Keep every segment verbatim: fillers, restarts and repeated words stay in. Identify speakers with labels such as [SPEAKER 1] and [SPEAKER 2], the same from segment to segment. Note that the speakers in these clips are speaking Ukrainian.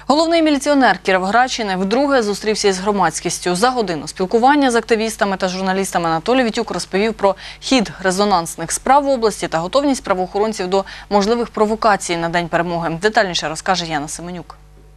[SPEAKER 1] Головний міліціонер Кіровоградщини вдруге зустрівся із громадськістю. За годину спілкування з активістами та журналістами Анатолій Вітюк розповів про хід резонансних справ в області та готовність правоохоронців до можливих провокацій на День перемоги. Детальніше розкаже Яна Семенюк.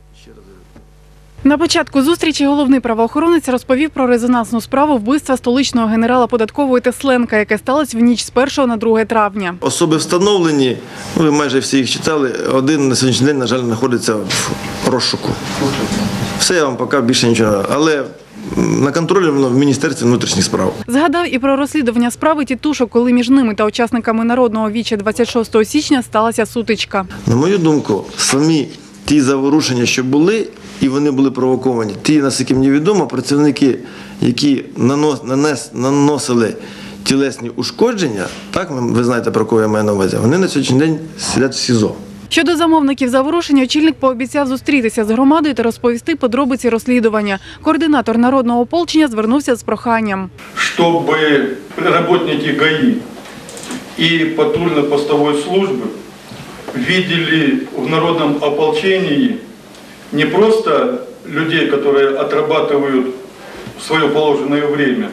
[SPEAKER 2] На початку зустрічі головний правоохоронець розповів про резонансну справу вбивства столичного генерала податкової Тесленка, яке сталося в ніч з першого на друге травня.
[SPEAKER 3] Особи встановлені, ви майже всі їх читали, один на сьогоднішній день, на жаль, знаходиться в розшуку. Все, я вам поки більше нічого, але на контролі воно в Міністерстві внутрішніх справ.
[SPEAKER 2] Згадав і про розслідування справи Тітушок, коли між ними та учасниками Народного віча двадцять шостого січня сталася сутичка.
[SPEAKER 3] На мою думку, самі ті заворушення, що були, і вони були провоковані, ті, наскільки мені відомо, працівники, які нанос, нанес, наносили тілесні ушкодження, так, ви знаєте, про кого я маю на увазі, вони на сьогоднішній день сидять в СІЗО.
[SPEAKER 2] Щодо замовників заворушень, очільник пообіцяв зустрітися з громадою та розповісти подробиці розслідування. Координатор народного ополчення звернувся з проханням.
[SPEAKER 4] Щоб працівники ГАІ і патрульно-постової служби видели в народном ополчении не просто людей, которые отрабатывают свое положенное время,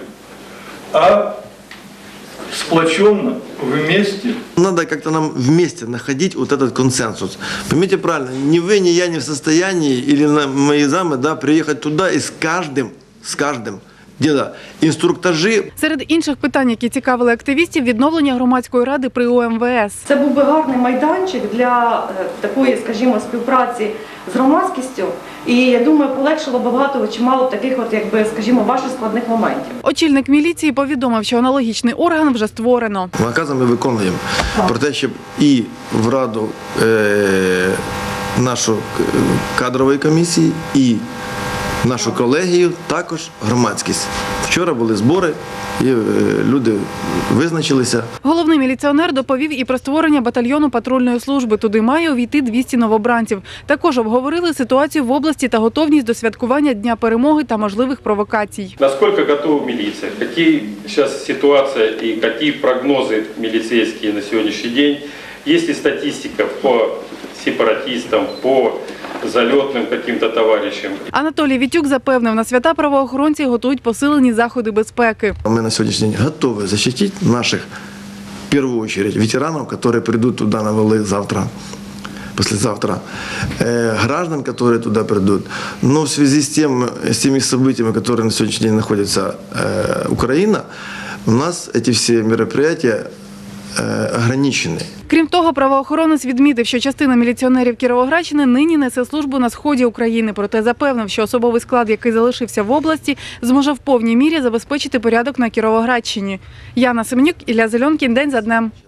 [SPEAKER 4] а сплоченно, вместе.
[SPEAKER 3] Надо как-то нам вместе находить вот этот консенсус. Поймите правильно, ни вы, ни я не в состоянии, или мои замы, да, приехать туда и с каждым, с каждым, діла, інструктажі.
[SPEAKER 2] Серед інших питань, які цікавили активістів, відновлення громадської ради при О Ем Ве Ес.
[SPEAKER 5] Це був би гарний майданчик для такої, скажімо, співпраці з громадськістю. І, я думаю, полегшило б багато, чимало таких, от, якби, скажімо, ваших складних моментів.
[SPEAKER 2] Очільник міліції повідомив, що аналогічний орган вже створено.
[SPEAKER 3] Накази ми виконуємо про те, щоб і в раду е, нашу кадрової комісії, і нашу колегію, також громадськість. Вчора були збори, і люди визначилися.
[SPEAKER 2] Головний міліціонер доповів і про створення батальйону патрульної служби. Туди має увійти двісті новобранців. Також обговорили ситуацію в області та готовність до святкування Дня перемоги та можливих провокацій.
[SPEAKER 6] Наскільки готова міліція? Які зараз ситуація і які прогнози міліцейські на сьогоднішній день? Є ли статистика по сепаратистам, по зальотним каким-то товаришам?
[SPEAKER 2] Анатолій Вітюк запевнив, на свята правоохоронці готують посилені заходи безпеки.
[SPEAKER 3] Ми на сьогоднішній день готові захистити наших, в першу чергу, ветеранів, які прийдуть туди на вали завтра, послезавтра, граждан, которые туда придут. Но в связи с, тем, с теми событиями, которые на сегодняшний день находится Украина, у нас эти все мероприятия ограничені.
[SPEAKER 2] Крім того, правоохоронець відмітив, що частина міліціонерів Кіровоградщини нині несе службу на сході України. Проте запевнив, що особовий склад, який залишився в області, зможе в повній мірі забезпечити порядок на Кіровоградщині. Яна Семенюк, Ілля Зеленкін. День за днем.